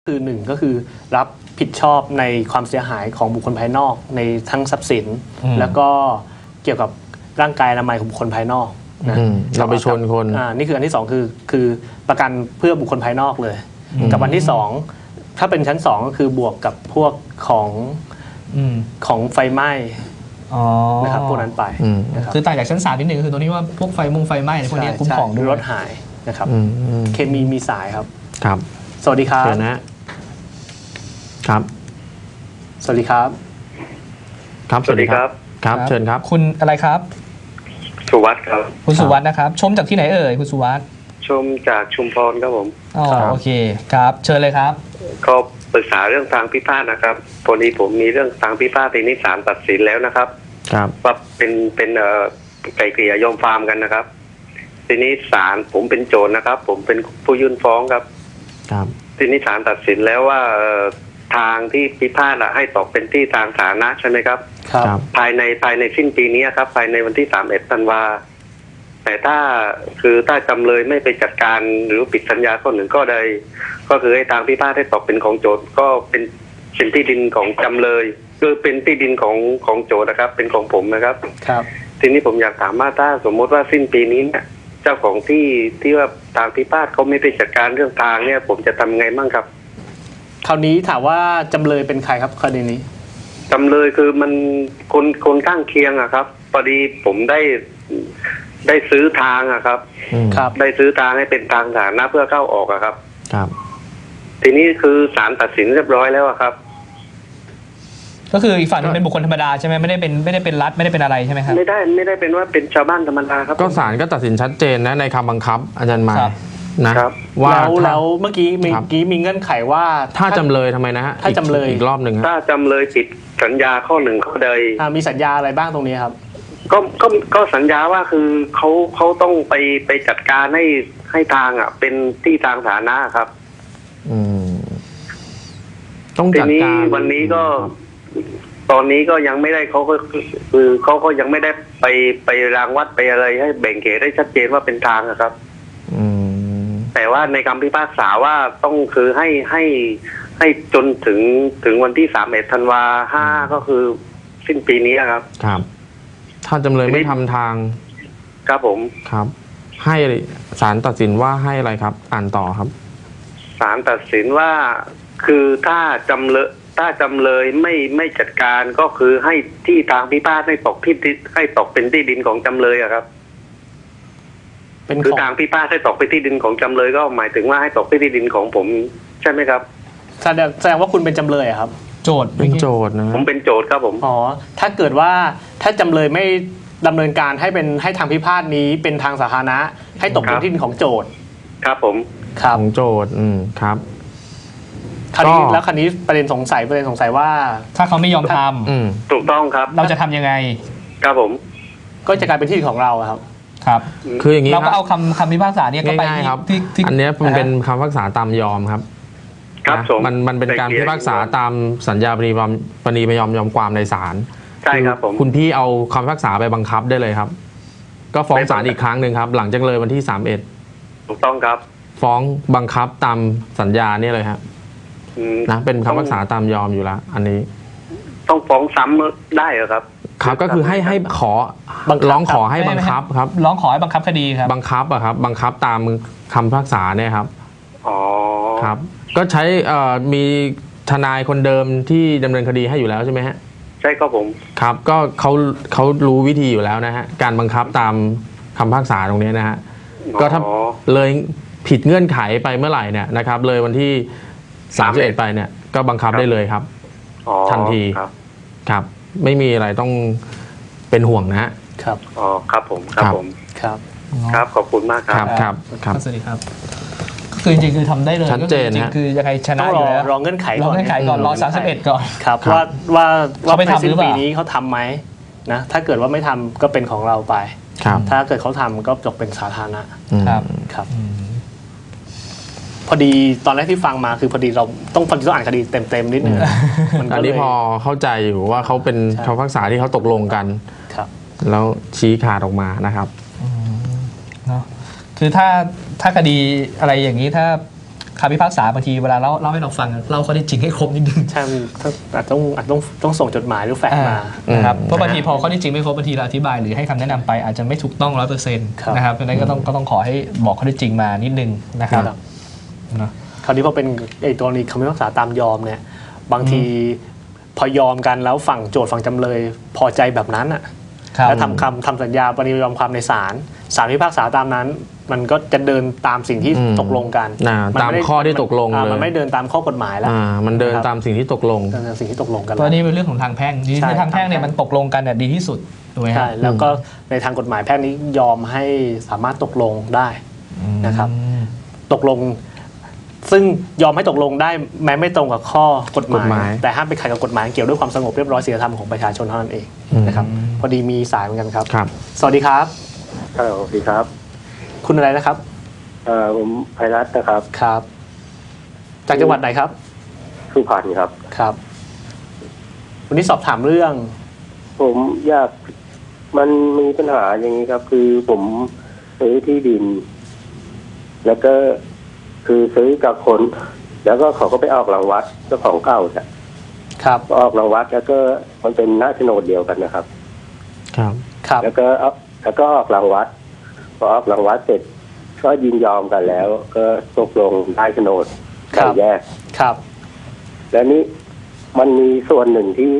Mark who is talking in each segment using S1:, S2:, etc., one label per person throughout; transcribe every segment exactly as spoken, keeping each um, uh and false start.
S1: คือหนึ่งก็คือรับผิดชอบในความเสียหายของบุคคลภายนอกในทั้งทรัพย์สินแล้วก็เกี่ยวกับร่างกายอนามัยของบุคคลภายนอกนะ
S2: เราไปชนคน
S1: อ่านี่คืออันที่สองคือคือประกันเพื่อบุคคลภายนอกเลยกับอันที่สองถ้าเป็นชั้นสองก็คือบวกกับพวกของของไฟไหม้นะครับพวกนั้นไป
S3: คือต่างจากชั้นสามนิดหนึ่งคือตรงนี้ว่าพวกไฟมุงไฟไหม้พวกนี้คุ้มครองด้วย
S1: รถหายนะครับเคมีมีสายครับ
S2: ครับ
S1: สวัสดีครับ
S2: ครับ
S1: สวัสดีครับ
S2: ครับสวัสดีครับครับเชิญครับ
S3: คุณอะไรครับ
S4: สุวัสดิ์ครับ
S3: คุณสุวัสดิ์นะครับชมจากที่ไหนเอ่ยคุณสุวัสดิ์
S4: ชมจากชุมพรครับผม
S3: อ๋อโอเคครับเชิญเลยครับ
S4: ก็ปรึกษาเรื่องทางพิพาทนะครับพอดีผมมีเรื่องทางพิพาททีนี้ศาลตัดสินแล้วนะครับ
S2: ครับ
S4: ว่าเป็นเป็นเอ่อไกลเกลี่ยยอมความกันนะครับทีนี้ศาลผมเป็นโจทย์นะครับผมเป็นผู้ยื่นฟ้องครับ
S2: ครับ
S4: ทีนี้ศาลตัดสินแล้วว่าทางที่พิพาทให้ตกเป็นที่ทางสาธารณะใช่ไหมครับ
S2: ครับ
S4: ภายในภายในสิ้นปีนี้ครับภายในวันที่สามสิบเอ็ดธันวาแต่ถ้าคือถ้าจำเลยไม่ไปจัดการหรือปิดสัญญาข้อหนึ่งก็ใดก็คือให้ทางพิพาทให้ตกเป็นของโจทย์ก็เป็นเป็นที่ดินของจำเลยคือเป็นที่ดินของของโจทย์นะครับเป็นของผมนะครับ
S1: ครับ
S4: ทีนี้ผมอยากถามว่าถ้าสมมติว่าสิ้นปีนี้เนี่ยเจ้าของที่ที่ว่าทางพิพาทเขาไม่ไปจัดการเรื่องทางเนี่ยผมจะทำไงบ้างครับ
S1: คราวนี้ถามว่าจำเลยเป็นใครครับคดีนี้
S4: จำเลยคือมันคนคนข้างเคียงอะครับพอดีผมได้ได้ซื้อทางอะครับ
S1: ครับ
S4: ได้ซื้อทางให้เป็นทางสาธารณะเพื่อเข้าออกอะครับ
S2: ครับ
S4: ทีนี้คือศาลตัดสินเรียบร้อยแล้วอะครับ
S3: ก็คืออีกฝั่งนึงเป็นบุคคลธรรมดาใช่ไหมไม่ได้เป็นไม่ได้เป็นรัฐไม่ได้เป็นอะไรใช่ไหมครับ
S4: ไม่ได้ไม่ได้เป็นว่าเป็นชาวบ้านธรรมดาครับ
S2: ก็ศาลก็ตัดสินชัดเจนนะในคำบังคับอาจารย์มา
S4: นะครับ
S1: ว่าแล้วแล้วเมื่อกี้เมื่อกี้มีเงื่อนไขว่า
S2: ถ้าจำเลยทำไมนะฮะ
S1: ถ้าจำเลย
S2: อีกรอบหนึ่ง
S4: ถ้าจำเลยผิดสัญญาข้อหนึ่งข้อใด
S1: มีสัญญาอะไรบ้างตรงนี้ครับ
S4: ก็ก็ก็สัญญาว่าคือเขาเขาต้องไปไปจัดการให้ให้ทางอ่ะเป็นที่ทางสาธารณะครับ
S2: อืมต้องจัดการ
S4: วันนี้ก็ตอนนี้ก็ยังไม่ได้เขาก็คือเขาก็ยังไม่ได้ไปไปรางวัดไปอะไรให้แบ่งเขตได้ชัดเจนว่าเป็นทางนะครับแต่ว่าในคำพิพากษาว่าต้องคือให้ให้ให้จนถึงถึงวันที่สามเอ็ดธันวาห้าก็คือสิ้นปีนี้ครับ
S2: ครับถ้าจำเลยไม่ทำทาง
S4: ครับผม
S2: ครับให้ศาลตัดสินว่าให้อะไรครับอ่านต่อครับ
S4: ศาลตัดสินว่าคือถ้าจำเลยถ้าจำเลยไม่ไม่จัดการก็คือให้ที่ทางพิพาทให้ตกที่ให้ตกเป็นที่ดินของจำเลยอะครับคือทางพิพาทให้ตกเป็นที่ดินของจำเลยก็หมายถึงว่าให้ตกเป็นที่ดินของผมใช่ไหมครับ
S1: แสดงแสดงว่าคุณเป็นจำเลยครับ
S3: โจทย์
S2: เป็นโจทย์นะ
S4: ผมเป็นโจทย์ครับผม
S1: อ๋อถ้าเกิดว่าถ้าจำเลยไม่ดำเนินการให้เป็นให้ทางพิพาทนี้เป็นทางสาธารณะให้ตกเป็นที่ดินของโจทย์
S4: ครับผม
S1: ครับ
S2: ของโจทย์อืมครับ
S1: คราวนี้แล้วคราวนี้ประเด็นสงสัยประเด็นสงสัยว่า
S3: ถ้าเขาไม่ยอมทำ
S4: ถูกต้องครับ
S3: เราจะทำยังไง
S4: ครับผม
S1: ก็จะกลายเป็นที่ดินของเราครับ
S3: ครับ
S2: คืออย่างนี้
S3: เราก็เอาคำคำพิพากษาเนี่ยก็ไป
S2: ที่อันนี้มันเป็นคำพิพากษาตามยอมครับ
S4: ครับ
S2: มันมันเป็นการพิพากษาตามสัญญาปณีปณีประยอมยอมความในศาล
S4: ใช่ครับผม
S2: คุณพี่เอาคำพิพากษาไปบังคับได้เลยครับก็ฟ้องศาลอีกครั้งหนึ่งครับหลังจากเลยวันที่สามเอ็ด
S4: ถูกต้องครับ
S2: ฟ้องบังคับตามสัญญาเนี่ยเลยครับนะเป็นคำพิพากษาตามยอมอยู่แล้วอันนี้
S4: ต้องฟ้องซ้ำได้เหรอครับ
S2: ครับก็คือให้ให้ขอร้องขอให้บังคับครับ
S3: ร้องขอให้บังคับคดีครับ
S2: บังคับอะครับบังคับตามคำพิพากษาเนี่ยครับ
S4: อ๋อ
S2: ครับก็ใช้มีทนายคนเดิมที่ดำเนินคดีให้อยู่แล้วใช่ไหมฮะ
S4: ใช่ครับผม
S2: ครับก็เขาเขารู้วิธีอยู่แล้วนะฮะการบังคับตามคำพิพากษาตรงนี้นะฮะก็ถ้าเลยผิดเงื่อนไขไปเมื่อไหร่เนี่ยนะครับเลยวันที่สามสิบเอ็ดไปเนี่ยก็บังคับได้เลยครับทันทีครับไม่มีอะไรต้องเป็นห่วงนะฮะ
S1: ครับ
S4: อ๋อครับผมครับผม
S1: ครับ
S4: ครับขอบคุณมากครับ
S2: ครับครับ
S3: สวัสดีครับคือจริงๆคือทำได้เลย
S2: ชัดเจน
S3: นะคือยังไงชนะอยู่แล้ว
S1: รอเงื่อนไขก่อน
S3: รอเงื่อนไขก่อนรอสามสิบเอ็ดก่อน
S1: ครับว่าว่าว่าไปทำหรือเปล่าปีนี้เขาทำไหมนะถ้าเกิดว่าไม่ทำก็เป็นของเราไปถ้าเกิดเขาทำก็จบเป็นสาธารณะ
S3: ครับ
S1: ครับพอดีตอนแรกที่ฟังมาคือพอดีเราต้องพอดีต้องอ่านคดีเต็มๆนิดนึง
S2: อันนี้พอเข้าใจอยู่ว่าเขาเป็นคำพิพากษาที่เขาตกลงกันแล้วชี้ขาดออกมานะครับ
S3: เนาะคือถ้าถ้าคดีอะไรอย่างนี้ถ้าคำพิพากษาบางทีเวลาเล่าเล่าให้เราฟังเล่าข้อเท็จจริงให้ครบนิดนึง
S1: ใช่อาจต้องอาจต้องต้องส่งจดหมายหรือแฟกซ์มา
S3: นะครับเพราะบางทีพอข้อเท็จจริงไม่ครบบางทีเราอธิบายหรือให้คำแนะนำไปอาจจะไม่ถูกต้องร้อยเปอร์เซ็นต์นะครับเพราะฉะนั้นก็ต้องก็ต้องขอให้บอกข้อเท็จจริงมานิดนึงนะครับ
S1: นะคราวนี้พอเป็นไอ้ตัวนี้คำพิพากษาตามยอมเนี่ยบางทีพอยอมกันแล้วฝั่งโจทย์ฝั่งจำเลยพอใจแบบนั้นอ่ะแล้วทำคำทำสัญญาปฏิยอมความในศาลศาลพิพากษาตามนั้นมันก็จะเดินตามสิ่งที่ตกลงกัน
S2: ตามข้อที่ตกลงเลย
S1: มันไม่เดินตามข้อกฎหมายแล้ว
S2: มันเดินตามสิ่งที่ตกลง
S1: สิ่งที่ตกลงกัน
S3: เพราะนี่เป็นเรื่องของทางแพ่งในทางแพ่งเนี่ยมันตกลงกันเนี่ยดีที่สุดถูกไหม
S1: ใช่แล้วก็ในทางกฎหมายแพ่งนี้ยอมให้สามารถตกลงได้นะครับตกลงซึ่งยอมให้ตกลงได้แม้ไม่ตรงกับข้อกฎหมายแต่ห้ามไปขัดกับกฎหมายเกี่ยวด้วยความสงบเรียบร้อยศีลธรรมของประชาชนเท่านั้นเองนะครับพอดีมีสายเหมือนกันครับสวัสดีครับ
S5: สวัสดีครับ
S1: คุณอะไรนะครับ
S5: เอ่อผมไพรัตน์นะครับ
S1: ครับจากจังหวัดไหนครับ
S5: สุพรรณครับ
S1: ครับวันนี้สอบถามเรื่อง
S5: ผมอยากมันมีปัญหาอย่างนี้ครับคือผมซื้อที่ดินแล้วก็คือซื้อกับคนแล้วก็เขาก็ไปออกรางวัดเจ้าของเก่าเนี่ย
S1: ครับ
S5: ออกรางวัดแล้วก็มันเป็นหน้าโฉนดเดียวกันนะครับ
S1: ครับครับ
S5: แล้วก็แล้วก็ออกรางวัดพอออกรางวัดเสร็จก็ยินยอมกันแล้วก็ตกลงได้โฉนดแบ่งแยก
S1: ครับ
S5: แล้วนี้มันมีส่วนหนึ่งที่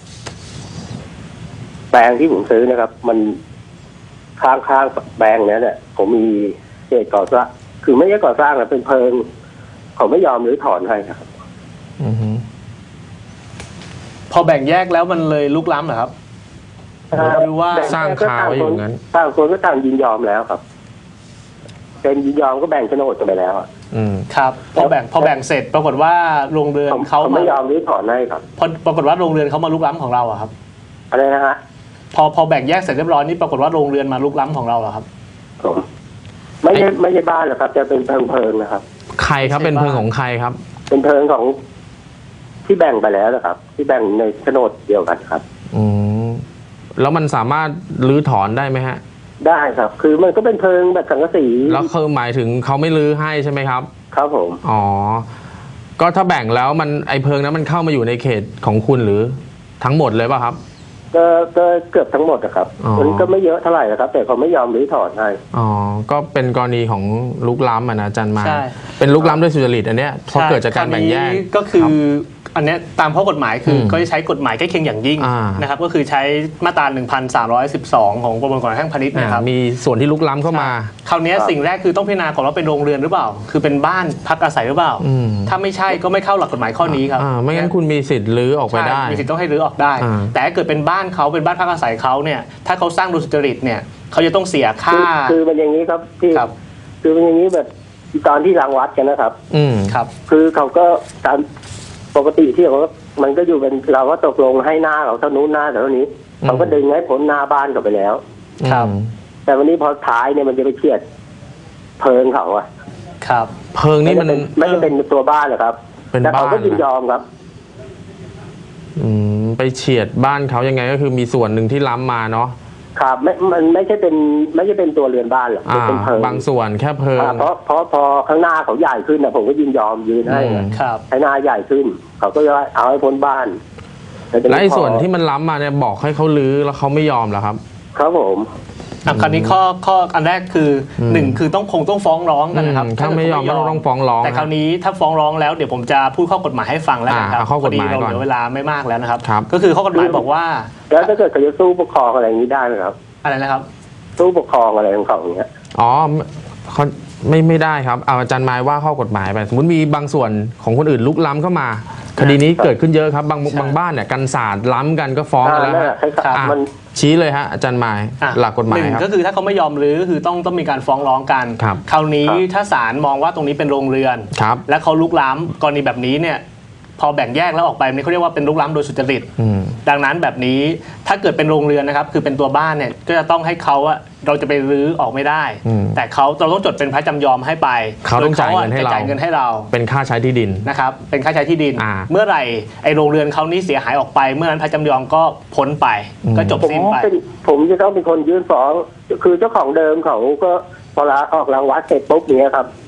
S5: แปลงที่ผมซื้อนะครับมันข้างๆแปลงนี้เนี่ยผมมีเศษก่อสร้างคือไม่ใช่ก่อสร้างนะเป็นเพิงเขาไม่ยอมหรือถอนให้ครับ
S1: อือฮึพอแบ่งแยกแล้วมันเลยลุกล้ำเหรอครับหรือว่า
S2: สร้างคาไว้อย่างนั้น
S5: ต่างคนก็ต่างยินยอมแล้วครับเป็นยินยอมก็แบ่งโฉนดกันไปแล้วอ่ะ
S1: อืมครับพอแบ่งพอแบ่งเสร็จปรากฏว่าโรงเรือนเขา
S5: ไม่ยอมหรือถอนให้ครับ
S1: พอปรากฏว่าโรงเรือนเขามาลุกล้ำของเราอะครับ
S5: อะไรนะฮะ
S1: พอพอแบ่งแยกเสร็จเรียบร้อยนี่ปรากฏว่าโรงเรือนมาลุกล้ำของเราเหรอครับ
S5: ผมไม่ใช่ไม่ใช่บ้านหรอกครับจะเป็นเพิงเพิงนะครับ
S2: ใครครับเป็นเพิงของใครครับ
S5: เป็นเพิงของที่แบ่งไปแล้วนะครับที่แบ่งในโฉนดเดียวกันครับ
S2: อืมแล้วมันสามารถรื้อถอนได้ไหมฮะ
S5: ได้ครับคือมันก็เป็นเพิงแบบสังกะสี
S2: แล้วคือหมายถึงเขาไม่รื้อให้ใช่ไหมครับ
S5: ครับผม
S2: อ๋อก็ถ้าแบ่งแล้วมันไอเพิงนั้นมันเข้ามาอยู่ในเขตของคุณหรือทั้งหมดเลยป่ะครับ
S5: ก็ก็เกือบทั้งหมดนะครับมันก็ไม่เยอะเท่าไหร่นะครับแต่เขาไม่ยอมรื้อถอนให้
S2: อ๋อก็เป็นกรณีของลุกล้ำอ่ะนะอาจารย์มาเป็นลุกล้ำด้วยสุจริตอันเนี้ยเพราะเกิดจากการแบ่งแยก
S1: ก็คืออันนี้ตามข้อกฎหมายคือก็จะใช้กฎหมายใกล้เคียงอย่างยิ่งนะครับก็คือใช้มาตรา หนึ่งพันสามร้อยสิบสอง ของประมวลกฎหมายแพ่งพาณิชย์นะครับ
S2: มีส่วนที่ลุกล้ำเข้ามา
S1: คราวนี้สิ่งแรกคือต้องพิจารณาก่อนว่าเป็นโรงเรือนหรือเปล่าคือเป็นบ้านพักอาศัยหรือเปล่าถ้าไม่ใช่ก็ไม่เข้าหลักกฎหมายข้อนี้ครับ
S2: ไม่งั้นคุณมีสิทธิ์รื้อออกไปได้
S1: มีสิทธิ์ต้องให้รื้อออกได้แต่ถ้าเกิดเป็นบ้านเขาเป็นบ้านพักอาศัยเขาเนี่ยถ้าเขาสร้างโดยสุจริตเนี่ยเขาจะต้องเสียค่า
S5: คือมันอย่างนี้ครับที่คือมันอย่างนี้แบบตอนที่รังวัดกันนะครับ
S2: อืม
S1: ครับ
S5: คือเขาก็ตามปกติที่เขามันก็อยู่เป็นเราก็ตกลงให้หน้าเขาเท่านู้นหน้าเท่านี้เขาก็ดึงให้พ้นหน้าบ้านเขาไปแล้ว
S1: ครับ
S5: แต่วันนี้พอท้ายเนี่ยมันจะไปเฉียดเพิงเขาอะ
S1: ครับ
S2: เพิงนี่มัน
S5: ไม่ได้เป็นตัวบ้านหรอครับแต่เขาก็ยินยอมครับ
S2: อืมไปเฉียดบ้านเขายังไงก็คือมีส่วนหนึ่งที่ล้ำมาเนาะ
S5: ครับไม่มันไม่ใช่เป็นไม่ใช่เป็นตัวเรือนบ้านหรอกเป็นเพิง
S2: บางส่วนแค่เพิง
S5: เพราะเพราะพอข้างหน้าเขาใหญ่ขึ้นนะผมก็ยินยอมยืนให้
S1: ครับ
S5: ให้หน้าใหญ่ขึ้นเขาก็จะเอาให้พ้นบ้าน
S2: และไอ้ส่วนที่มันล้ำมาเนี่ยบอกให้เขาลื้อแล้วเขาไม่ยอมเหรอครับ
S5: ครับผม
S1: คราวนี้ข้อข้ออันแรกคือหนึ่งคือต้องคงต้องฟ้องร้องกันนะครับ
S2: ถ้าไม่ยอมก็ต้องฟ้องร้อง
S1: แต่คราวนี้ถ้าฟ้องร้องแล้วเดี๋ยวผมจะพูดข้อกฎหมายให้ฟังแล้วนะครับ
S2: ข้อกฎหมาย
S1: ก่อนเหลือเวลาไม่มากแล้วนะครับ
S2: ครับ
S1: ก็คือข้อกฎหมายบอกว่า
S5: แล้วถ้าเกิดเขาจะสู้ปกครองอะไรอย่างนี้ได้ไหมครับ
S1: อะไรนะครับ
S5: สู้ปกครองอะไรของเขาอย่างเงี้ย
S2: อ๋อเขาไม่ไม่ได้ครับเอาอาจารย์หมายว่าข้อกฎหมายไปสมมติมีบางส่วนของคนอื่นลุกล้ำเข้ามาคดีนี้เกิดขึ้นเยอะครับบางบางบ้านเนี่ยกันศาสตร์ล้ำกันก็ฟ้องกันแล้วมันชี้เลยฮะอาจารย์หมายหลักกฎหมายครับ
S1: ก็คือถ้าเขาไม่ยอมรื้อคือต้องต้องมีการฟ้องร้องกันคราวนี้ถ้าศาลมองว่าตรงนี้เป็นโรงเรือนและเขาลุกล้ำกรณีแบบนี้เนี่ยพอแบ่งแยกแล้วออกไปนี่เขาเรียกว่าเป็นลุกล้ำโดยสุจริตดังนั้นแบบนี้ถ้าเกิดเป็นโรงเรือนนะครับคือเป็นตัวบ้านเนี่ยก็จะต้องให้เขาอะเราจะไปรื้อออกไม่ได้แต่เขาเราต้องจดเป็นพระจำยอมให้ไป
S2: เขาต้องจ่ายเงินให้เรา
S1: จ่ายเงินให้เรา
S2: เป็นค่าใช้ที่ดิน
S1: นะครับเป็นค่าใช้ที่ดินเมื่อไหร่ไอ้โรงเรือนเขานี้เสียหายออกไปเมื่อนั้นพระจำยอมก็พ้นไปก็จบสิ้นไป
S5: ผมจะต้องเป็นคนยื่นฟ้องคือเจ้าของเดิมเขาก็พอลาออกรางวัดเสร็จปุ๊บเนี้ยครับ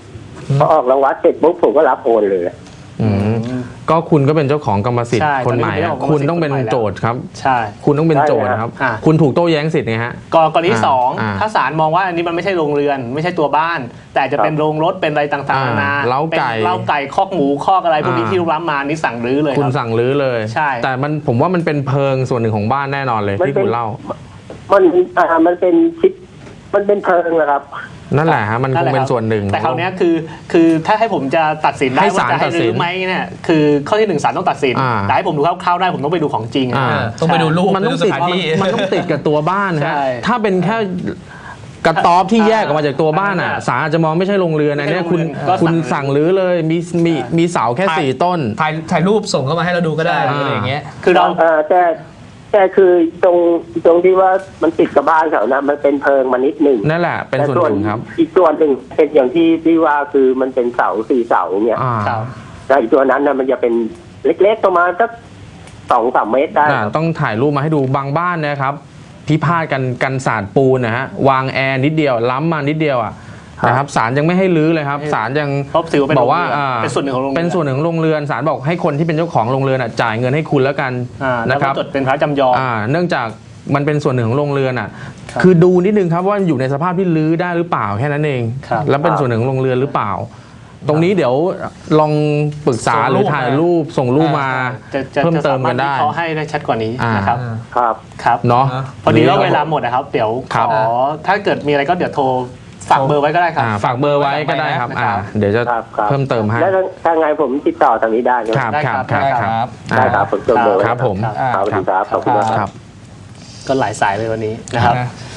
S5: พอออกรางวัลเสร็จปุ๊บผมก็รับโอนเลย
S2: อืมก็คุณก็เป็นเจ้าของกรรมสิทธิ์
S1: ใช่
S2: คนใหม่
S1: ตอนนี้
S2: อะ
S1: เป็นเจ้าของ
S2: คุณต้องเป็น
S1: กรรมสิทธิ์
S2: โจทย์ครับ
S1: ใช่
S2: คุณต้องเป็นโจทย์ครับ
S1: อ่า
S2: คุณถูกโต้แย้งสิทธิ์ไงฮะ
S1: กรณีที่สอง
S2: อ่า
S1: ถ้าศาลมองว่าอันนี้มันไม่ใช่โรงเรือน ไม่ใช่ตัวบ้าน แต่จะเป็นโรงรถเป็นอะไรต่างๆ
S2: อ่า
S1: นานา
S2: เล้าไก่
S1: เป็นเล้าไก่คอกหมูคอกอะไรพวกนี้
S2: อ่า
S1: ที่รับมานี่สั่งรื้อเลย
S2: คุณ
S1: ครับ
S2: สั่งรื้อเลย
S1: ใช่
S2: แต่มันผมว่ามันเป็นเพิงส่วนหนึ่งของบ้านแน่นอนเลย
S5: มัน
S2: ที่
S5: เป็น
S2: คุณเล่า
S5: มันอ่ามันเป็นชิปมันเป็นเพิงนะครับ
S2: นั่นแหละฮะมันคงเป็นส่วนหนึ่ง
S1: แต่คราวเนี้ยคือคือถ้าให้ผมจะตัดสินได้
S2: ให้
S1: ว่า
S2: ศาล
S1: จะให้
S2: ตัดสิน
S1: รื้อไหมเนี่ยคือข้อที่หนึ่งศาลต้องตัดสิน
S2: อ่า
S1: แต่ให้ผมดูคร่าวๆได้ผมต้องไปดูของจริง
S2: อ่า
S1: นะ
S3: ต้องไปดูรูป
S2: มันต้อง
S3: ไปดู
S2: ติด
S3: สถานที่
S2: มันต้องติดกับตัวบ้าน
S1: ใช่
S2: ฮะถ้าเป็นแค่กระต๊อบที่แยกออกมาจากตัวบ้านอ่ะ
S1: อ่า
S2: ศาลอาจจะมองไม่ใช่โรงเรือนอันเนี้ยคุณ
S1: ก็
S2: คุณ
S1: สั่
S2: สั่ง
S1: งรื้
S2: รื้
S1: อ
S2: อเลยมีมีมีเสาแค่สี่ต้น
S3: ถ่ายถ่ายรูปส่งเข้ามาให้เราดูก็ได้
S1: ใช่
S3: อะไรอย่างเงี้ย
S1: คือเรา
S5: เอ่อแต่แต่คือตรงตรงที่ว่ามันติดกับบ้านเขานะมันเป็นเพิงมานิดหนึ่ง
S2: นั่นแหละเป็นส่วนหนึ่งครับ
S5: อีกส่วนหนึ่งเป็นอย่างที่ที่ว่าคือมันเป็นเสาสี่เสาเนี่ย
S2: อ่า
S1: ครับ
S5: แล้วอีกตัวนั้นนะมันจะเป็นเล็กๆประมาณสักสองสามเมตรได้
S2: อ่าต้องถ่ายรูปมาให้ดูบางบ้านนะครับพิพาทกันกันศาสตร์ปูนนะฮะวางแอร์นิดเดียวล้ำมานิดเดียวอ่ะนะครับศาลยังไม่ให้รื้อเลยครับศาลยัง
S1: เพราะถือว่าเป็น
S2: บอกว่า
S1: โรงเรือน
S2: อ่า
S1: เป็นส่วนหนึ่งของโรงเรือน
S2: เป็นส่วนหนึ่งของโรงเรือนศาลบอกให้คนที่เป็นเจ้าของโรงเรือนอ่ะจ่ายเงินให้คุณแล้วกัน
S1: อ่าแล้ว
S2: นะค
S1: ก็
S2: รับ
S1: จดเป็นพระจำยอม
S2: อ่าเนื่องจากมันเป็นส่วนหนึ่งของโรงเรือนอ่ะ
S1: ครับ
S2: คือดูนิดนึงครับว่าอยู่ในสภาพที่รื้อได้หรือเปล่าแค่นั้นเอง
S1: ครับ
S2: แล้วเป็นส่วนหนึ่งของโรงเรือนหรือเปล่า ตรงนี้เดี๋ยวลองปรึกษา
S3: ส่ง
S2: ห
S3: รู
S2: รือ
S3: ป
S2: ถ่าย
S3: มา
S2: รูปส่งรูปมา
S1: จะจะ
S2: เพิ่ม
S1: จะ
S2: เติ
S1: สาม มาร
S2: กั
S1: ถ
S2: นได้
S1: วิเคราะห์ให้ได้ชัดกว่านี้
S2: อ่าน
S1: นะครับ
S5: ครับ
S1: ครับ
S2: เนาะ
S1: พอดีแล้วเวลาหมดนะครับ เดี๋ยว
S2: ค
S1: ข
S2: รับ
S1: อถ้าเกิดมีอะไรก็เดี๋ยวโทรฝากเบอร์ไว้ก็ได้ครับ
S2: อ่าฝากเบอร์ไว้ก็ได้ครับอ่าเดี๋ยวจะ
S5: ครับครับ
S2: เพิ่มเติมให้
S5: แล้วถ้าไงผมติดต่อทางนี้ได้ใช่ไหม
S2: ครับ
S1: ได้
S2: ค
S1: ครั
S2: รับบ ครับ
S1: ได้
S2: ค
S1: ครั
S2: รับ
S1: บ
S5: ได้ครับผมจดเบอร์ไว้
S2: ครับผม
S1: ครับ
S5: ครับสวัสดีครับขอบคุณมาก
S2: ค
S5: ค
S2: รั
S5: รับ บ
S1: ก็หลายสายเลยวันนี้นะครับ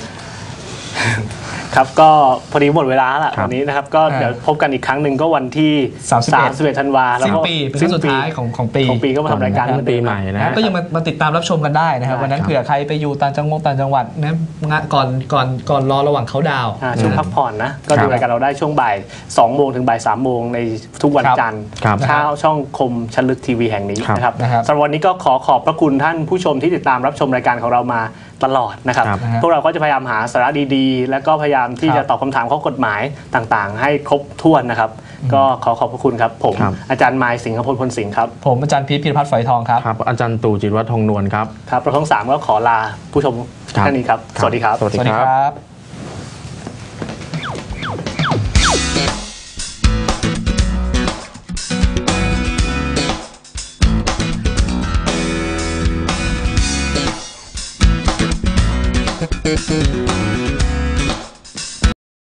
S1: ครับก็พอดีหมดเวลาแล้ว
S2: ครับ
S1: วันนี้นะครับ ก็เดี๋ยวพบกันอีกครั้งหนึ่งก็วันที่
S3: สามสิบเอ็ด
S1: สิบเอ็ดธันวาแล้ว
S3: สิ้น
S1: ก็
S3: ปีเป็นครั้งสุดท้ายของของปี
S1: ของปีก็มาทำรายการ
S2: ต้นปีใหม่นะ
S3: นะก็ยังมามาติดตามรับชมกันได้นะครับ
S1: ได้
S3: วันนั้น
S2: ครับ
S3: เผื่อใครไปอยู่ต่างจังหวัดต่างจังหวัดนะงะก่อนก่อนก่อนรอระหว่างเขาดาวน์
S1: อ่าช่วงพักผ่อนนะ ก็
S2: ครั
S1: ดู
S2: บ
S1: รายการเราได้ช่วงบ่ายสองโมงถึงบ่ายสามโมงในทุกวัน
S3: ครับ
S1: จันทร์
S2: ครับ
S1: เช้าช่องคมชันลึกทีวีแห่งนี้
S2: ครับ
S1: นะครับ
S3: นะครับ
S1: สำหรับวันนี้ก็ขอขอบพระคุณท่านผู้ชมที่ติดตามรับชมรายการของเรามาตลอดนะครับ
S2: ครับ
S1: พวกเราก็จะพยายามหาสาระดีๆ และก็พยายามที่
S3: ครับ
S1: จะตอบคำถามข้อกฎหมายต่างๆ ให้ครบถ้วนนะครับ ก็ขอขอบพระคุณครับ ผม
S2: ครับ
S1: อาจารย์มายสิงห์พลพลสิงห์ครับ
S3: ผมอาจารย์พีชพิรพัฒน์ฝอยทองครับ
S2: ครับอาจารย์ตู่จิตรวัฒน์ทองนวลครับ
S1: ครับเราทั้งสามก็ขอลาผู้ชม
S2: ครับ
S1: ท่านนี้ครับ สวัสดีครับ
S2: สวัสดี
S3: สวัสดี
S2: ค
S3: ครับ รับ